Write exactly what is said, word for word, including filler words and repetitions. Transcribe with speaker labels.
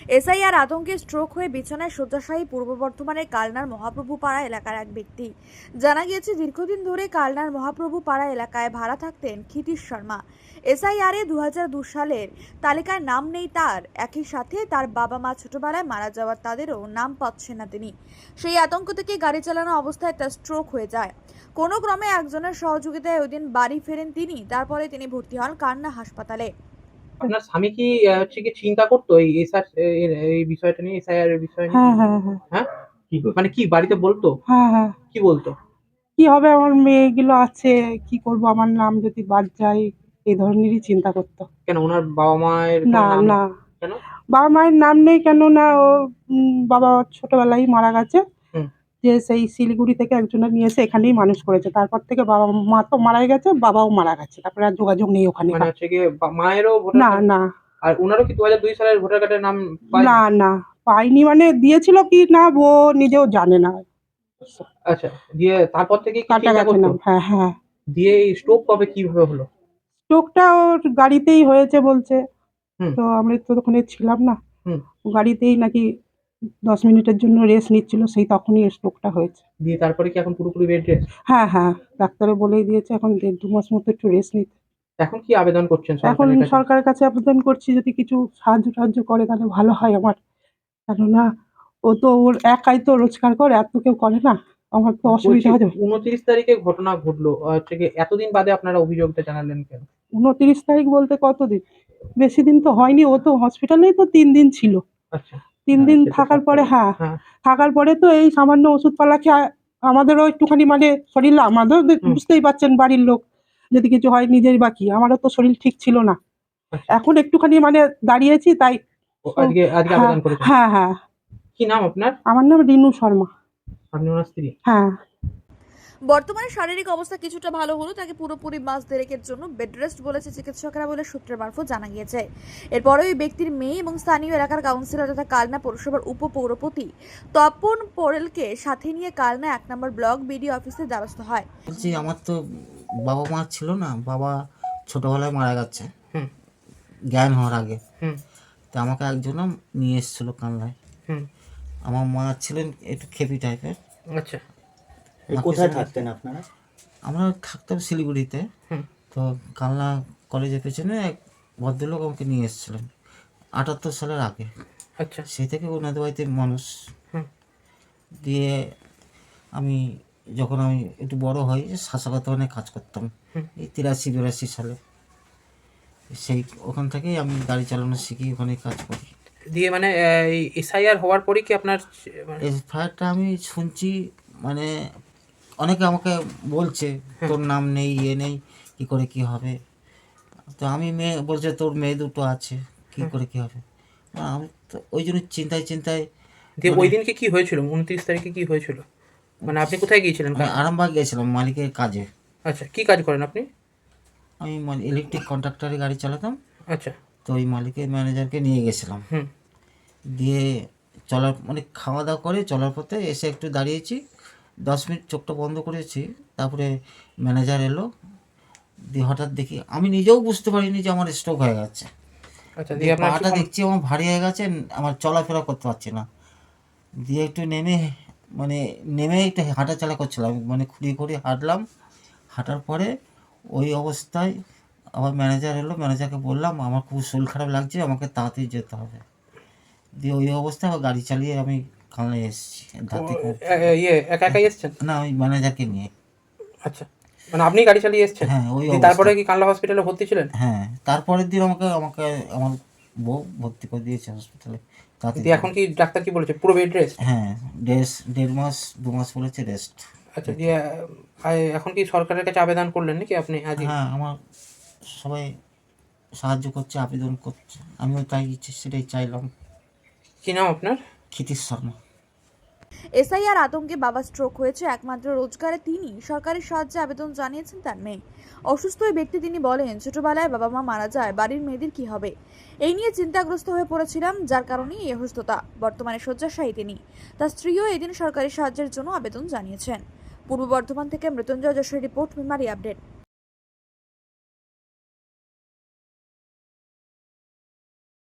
Speaker 1: SIR আতঙ্কে stroke হয়ে বিছানায় শয্যাশায়ী পূর্ব বর্ধমানের কালনার মহাপ্রভু পাড়া এলাকার এক ব্যক্তি। জানা গিয়েছে, দীর্ঘদিন ধরে কালনার মহাপ্রভু পাড়া এলাকায় ভাড়া থাকতেন ক্ষিতীশ শর্মা। এসআইআরে দু হাজার দু সালের তালিকায় নাম নেই তার, একই সাথে তার বাবা মা ছোটবেলায় মারা যাওয়ার তাদেরও নাম পাচ্ছেন না তিনি। সেই আতঙ্ক থেকে গাড়ি চালানো অবস্থায় তার স্ট্রোক হয়ে যায়। কোনো ক্রমে একজনের সহযোগিতায় ওই দিন বাড়ি ফেরেন তিনি। তারপরে তিনি ভর্তি হন কালনা হাসপাতালে।
Speaker 2: আপনার স্বামী কি আহ, হচ্ছে কি চিন্তা করতো এই এসআর এই বিষয়টা নিয়ে, এসআইআর এর বিষয় নিয়ে?
Speaker 3: হ্যাঁ, হ্যাঁ, হ্যাঁ।
Speaker 2: হ্যাঁ, কি করতো? মানে কি বাড়িতে বলতো?
Speaker 3: হ্যাঁ, হ্যাঁ।
Speaker 2: কি বলতো?
Speaker 3: কি হবে, আমার মেয়েগুলো আছে, কি করব, আমার নাম যদি বাদ যায়, এই ধরনেরই চিন্তা করতো।
Speaker 2: কেন ওনার বাবা মায়ের
Speaker 3: না,
Speaker 2: কোনো নাম?
Speaker 3: না,
Speaker 2: কেন?
Speaker 3: বাবা মায়ের নাম নেই কেন না, ও উম, বাবা ছোটবেলায় মারা গেছে।
Speaker 2: হুম।
Speaker 3: যে সেই শিলিগুড়ি থেকে একজনের নিয়ে এসে এখানেই মানুষ করেছে। তারপর থেকে বাবা মা তো মারাই গেছে, বাবাও মারা গেছে, তারপরে আর যোগাযোগ নেই ওখানে।
Speaker 2: মানে হচ্ছে কি বা- মায়েরও ভোটার
Speaker 3: না,
Speaker 2: কার্ড?
Speaker 3: না,
Speaker 2: আর ওনারও কি দু হাজার দুই সালের ভোটার কার্ডের নাম পায়নি?
Speaker 3: না, না, পাইনি, মানে দিয়েছিল কি না ও নিজেও জানে না।
Speaker 2: আচ্ছা, দিয়ে তারপর থেকে কি
Speaker 3: কাটা
Speaker 2: চিন্তা
Speaker 3: গেছে
Speaker 2: করতো?
Speaker 3: নাম। হ্যাঁ, হ্যাঁ।
Speaker 2: দিয়ে এই স্ট্রোক কবে কিভাবে হলো?
Speaker 3: স্ট্রোকটা ওর গাড়িতেই হয়েছে বলছে।
Speaker 2: হুম।
Speaker 3: তো আমরা তো ওখানে ছিলাম না।
Speaker 2: হুম।
Speaker 3: গাড়িতেই নাকি দশ মিনিটের জন্য রেস্ট নিচ্ছিল, সেই তখনই স্ট্রোকটা হয়েছে।
Speaker 2: দিয়ে তারপরে কি এখন পুরোপুরি বেড রেস্ট?
Speaker 3: হ্যাঁ, হ্যাঁ, ডাক্তারে বলেই দিয়েছে এখন দেড় দু মাস মতো একটু রেস্ট নিতে।
Speaker 2: এখন কি আবেদন করছেন
Speaker 3: এখন
Speaker 2: সরকারের কাছে?
Speaker 3: সরকারের কাছে আবেদন করছি, যদি কিছু সাহায্য টাহায্য করে তাহলে ভালো হয় আমার। কেননা ও তো ওর একাই তো রোজগার করে, এত কেউ করে না, আমার তো
Speaker 2: বলছি
Speaker 3: অসুবিধা হয়ে যাবে।
Speaker 2: উনত্রিশ তারিখে ঘটনা ঘটলো, আহ, হচ্ছে কি এতদিন বাদে আপনারা অভিযোগটা জানালেন কেন?
Speaker 3: উনত্রিশ তারিখ বলতে কতদিন, বেশি দিন তো হয়নি, ও তো হসপিটালেই তো তিন দিন ছিল।
Speaker 2: আচ্ছা।
Speaker 3: তিন
Speaker 2: হ্যাঁ,
Speaker 3: দিন
Speaker 2: সে তো
Speaker 3: থাকার
Speaker 2: সব
Speaker 3: পরে,
Speaker 2: জানি।
Speaker 3: হ্যাঁ,
Speaker 2: হ্যাঁ।
Speaker 3: থাকার পরে তো এই সামান্য ওষুধপালা খেয়ে আমাদেরও একটুখানি মানে শরীর, আমাদেরও দে-
Speaker 2: হুম।
Speaker 3: বুঝতেই পারছেন বাড়ির লোক, যদি কিছু হয় নিজের বাকি, আমারও তো শরীর ঠিক ছিল না।
Speaker 2: আচ্ছা।
Speaker 3: এখন একটুখানি মানে দাঁড়িয়েছি তাই।
Speaker 2: ও আজকে আজকে
Speaker 3: হ্যাঁ,
Speaker 2: আবেদন করেছেন?
Speaker 3: হ্যাঁ, হ্যাঁ।
Speaker 2: কি নাম আপনার?
Speaker 3: আমার নাম রিনু শর্মা।
Speaker 2: আপনি ওনার স্ত্রী?
Speaker 3: হ্যাঁ।
Speaker 1: বর্তমানে শারীরিক অবস্থা কিছুটা ভালো হলো, তাকে পুরোপুরি মাস দেড়েকের জন্য বেড রেস্ট বলেছে চিকিৎসকরা বলে সূত্রের মারফত জানা গিয়েছে। এরপরে ওই ব্যক্তির মেয়ে এবং স্থানীয় এলাকার কাউন্সিলর তথা কালনা পৌরসভার উপপৌরপতি তপন পোরেলকে সাথে নিয়ে কালনা এক নম্বর ব্লক বিডিও অফিসে দ্বারস্থ হয়।
Speaker 4: বলছি, আমার তো বাবা মা ছিল না, বাবা ছোটোবেলায় মারা গেছে
Speaker 2: হুম।
Speaker 4: জ্ঞান হওয়ার আগে।
Speaker 2: হুম।
Speaker 4: তো আমাকে একজন নিয়ে এসেছিলো কানলায়।
Speaker 2: হুম।
Speaker 4: আমার মা ছিলেন একটু খেপি টাইপের।
Speaker 2: আচ্ছা।
Speaker 5: কোথায় থাকতেন আপনারা?
Speaker 4: আমরা থাকতাম শিলিগুড়িতে।
Speaker 2: হুম।
Speaker 4: তো কালনা কলেজের পেছনে এক ভদ্রলোক আমাকে নিয়ে এসেছিলেন আটাত্তর সালের আগে।
Speaker 2: আচ্ছা।
Speaker 4: সেই থেকে ওনাদের বাড়িতে মানুষ।
Speaker 2: হুম।
Speaker 4: দিয়ে আমি যখন আমি একটু বড় হই, শাসকাতনে কাজ করতাম
Speaker 2: হুম।
Speaker 4: এই তিরাশি বিরাশি সালে। সেই ওখান থেকেই আমি গাড়ি চালানো শিখি, ওখানে কাজ করি।
Speaker 2: দিয়ে মানে এই এসআইআর হওয়ার পরে কি আপনার মানে-
Speaker 4: এই ফায়ারটা আমি শুনছি, মানে অনেকে আমাকে বলছে তোর নাম নেই, ইয়ে নেই, কী করে কী হবে। তো আমি মেয়ে বলছে তোর মেয়ে দুটো আছে, কী করে কী হবে। আমি তো ওই জন্য চিন্তায় চিন্তায়
Speaker 2: দিয়ে
Speaker 4: মানে-
Speaker 2: ওই দিনকে কি হয়েছিল? উনত্রিশ তারিখে কি হয়েছিল? মানে আপনি কোথায় গিয়েছিলেন?
Speaker 4: আমি আরামবাগ গেছিলাম মালিকের কাজে।
Speaker 2: আচ্ছা, কি কাজ করেন আপনি?
Speaker 4: আমি ইলেকট্রিক কন্ট্রাক্টরে গাড়ি চালাতাম।
Speaker 2: আচ্ছা।
Speaker 4: তো ওই মালিকের ম্যানেজারকে নিয়ে গেছিলাম।
Speaker 2: হুম।
Speaker 4: দিয়ে চলার মানে খাওয়া দাওয়া করে চলার পথে এসে একটু দাঁড়িয়েছি, দশ মিনিট চোখটা বন্ধ করেছি। তারপরে ম্যানেজার এলো, দিয়ে হঠাৎ দেখি, আমি নিজেও বুঝতে পারিনি যে আমার স্ট্রোক হয়ে গেছে।
Speaker 2: আচ্ছা, দিয়ে
Speaker 4: দিয়ে
Speaker 2: আপনার
Speaker 4: পাটা দেখছি আমার ভারী হয়ে গেছে, আমার চলাফেরা করতে পারছি না। দিয়ে একটু নেমে মানে নেমে একটু হাঁটাচলা করছিলাম, মানে খুঁড়িয়ে খুঁড়িয়ে হাঁটলাম। হাঁটার পরে ওই অবস্থায় আবার ম্যানেজার এলো, ম্যানেজারকে বললাম আমার খুব শরীর খারাপ লাগছে, আমাকে তাড়াতাড়ি যেতে হবে। দিয়ে ওই অবস্থায় আবার গাড়ি চালিয়ে আমি কালনায় এসেছি। দাঁতে খুব
Speaker 2: এ- এ- ইয়ে একা একাই এসছেন?
Speaker 4: না, ওই ম্যানেজারকে নিয়ে।
Speaker 2: আচ্ছা, মানে আপনি গাড়ি চালিয়ে এসছেন?
Speaker 4: হ্যাঁ, ওই
Speaker 2: দিয়ে
Speaker 4: অবস্থা।
Speaker 2: তারপরে কি কানলা হসপিটালে ভর্তি ছিলেন?
Speaker 4: হ্যাঁ, তারপরের দিন আমাকে আমাকে আমার বউ ভর্তি করে দিয়েছে হসপিটালে। তাতে
Speaker 2: দিয়ে এখন কি ডাক্তার কি বলেছে? পুরো বেড রেস্ট?
Speaker 4: হ্যাঁ, দেড় দেড় মাস দু মাস বলেছে রেস্ট।
Speaker 2: আচ্ছা, দিয়ে আহ, এখন কি সরকারের কাছে আবেদন করলেন নাকি আপনি আজকে?
Speaker 4: হ্যাঁ, আমার সবাই সাহায্য করছে, আবেদন করছে, আমিও তাই ইচ্ছে সেটাই চাইলাম।
Speaker 2: কি নাম আপনার?
Speaker 4: ক্ষিতীশ শর্মা।
Speaker 1: এসআইআর আতঙ্কে বাবা স্ট্রোক হয়েছে, একমাত্র রোজগারে তিনি সরকারি সাহায্যে আবেদন জানিয়েছেন তার মেয়ে। অসুস্থ ওই ব্যক্তি তিনি বলেন, ছোটবেলায় বাবা মা মারা যায়, বাড়ির মেয়েদের কি হবে এই নিয়ে চিন্তাগ্রস্ত হয়ে পড়েছিলাম, যার কারণেই এই অসুস্থতা। বর্তমানে শয্যাশায়ী তিনি। তার স্ত্রীও এদিন সরকারি সাহায্যের জন্য আবেদন জানিয়েছেন। পূর্ব বর্ধমান থেকে মৃত্যুঞ্জয় যশোরের রিপোর্ট, মেমারি আপডেট।